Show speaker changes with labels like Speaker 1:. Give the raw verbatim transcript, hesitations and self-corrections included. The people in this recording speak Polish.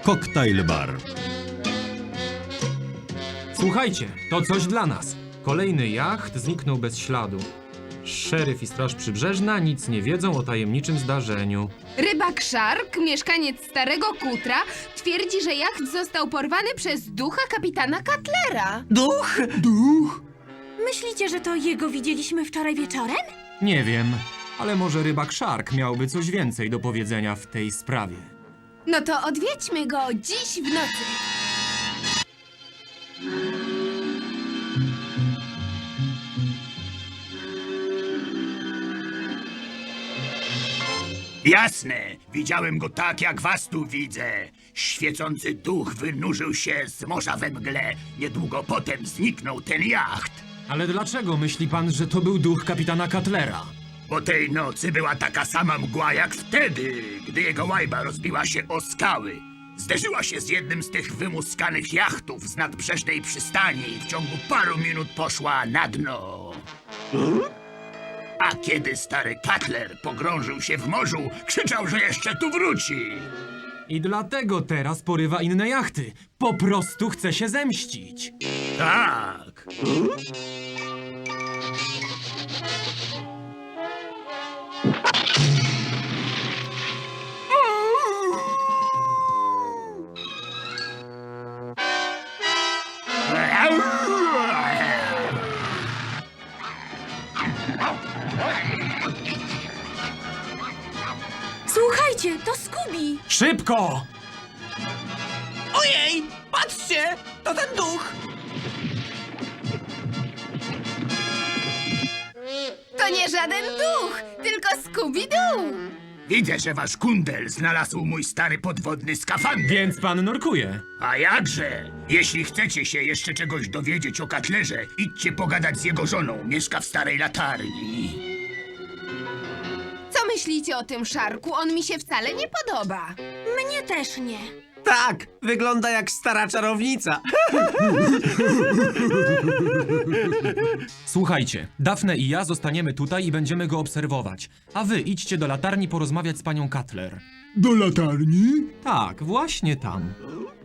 Speaker 1: Cocktail Bar.
Speaker 2: Słuchajcie, to coś dla nas. Kolejny jacht zniknął bez śladu. Szeryf i Straż Przybrzeżna nic nie wiedzą o tajemniczym zdarzeniu.
Speaker 3: Rybak Szark, mieszkaniec Starego Kutra, twierdzi, że jacht został porwany przez ducha kapitana Cutlera.
Speaker 4: Duch?
Speaker 1: Duch?
Speaker 5: Myślicie, że to jego widzieliśmy wczoraj wieczorem?
Speaker 2: Nie wiem, ale może rybak Szark miałby coś więcej do powiedzenia w tej sprawie.
Speaker 3: No to odwiedźmy go dziś w nocy.
Speaker 6: Jasne, widziałem go tak, jak was tu widzę. Świecący duch wynurzył się z morza we mgle. Niedługo potem zniknął ten jacht.
Speaker 2: Ale dlaczego myśli pan, że to był duch kapitana Cutlera?
Speaker 6: Po tej nocy była taka sama mgła jak wtedy, gdy jego łajba rozbiła się o skały. Zderzyła się z jednym z tych wymuskanych jachtów z nadbrzeżnej przystani i w ciągu paru minut poszła na dno. A kiedy stary Cutler pogrążył się w morzu, krzyczał, że jeszcze tu wróci.
Speaker 2: I dlatego teraz porywa inne jachty. Po prostu chce się zemścić.
Speaker 6: Tak.
Speaker 5: Słuchajcie, to Scooby!
Speaker 2: Szybko!
Speaker 4: Ojej! Patrzcie! To ten duch!
Speaker 3: To nie żaden duch, tylko Scooby-Doo.
Speaker 6: Widzę, że wasz kundel znalazł mój stary podwodny skafander.
Speaker 2: Więc pan nurkuje.
Speaker 6: A jakże? Jeśli chcecie się jeszcze czegoś dowiedzieć o Cutlerze, idźcie pogadać z jego żoną. Mieszka w starej latarni.
Speaker 3: Co myślicie o tym Szarku? On mi się wcale nie podoba.
Speaker 5: Mnie też nie.
Speaker 4: Tak, wygląda jak stara czarownica.
Speaker 2: Słuchajcie, Daphne i ja zostaniemy tutaj i będziemy go obserwować. A wy idźcie do latarni porozmawiać z panią Cutler.
Speaker 1: Do latarni?
Speaker 2: Tak, właśnie tam.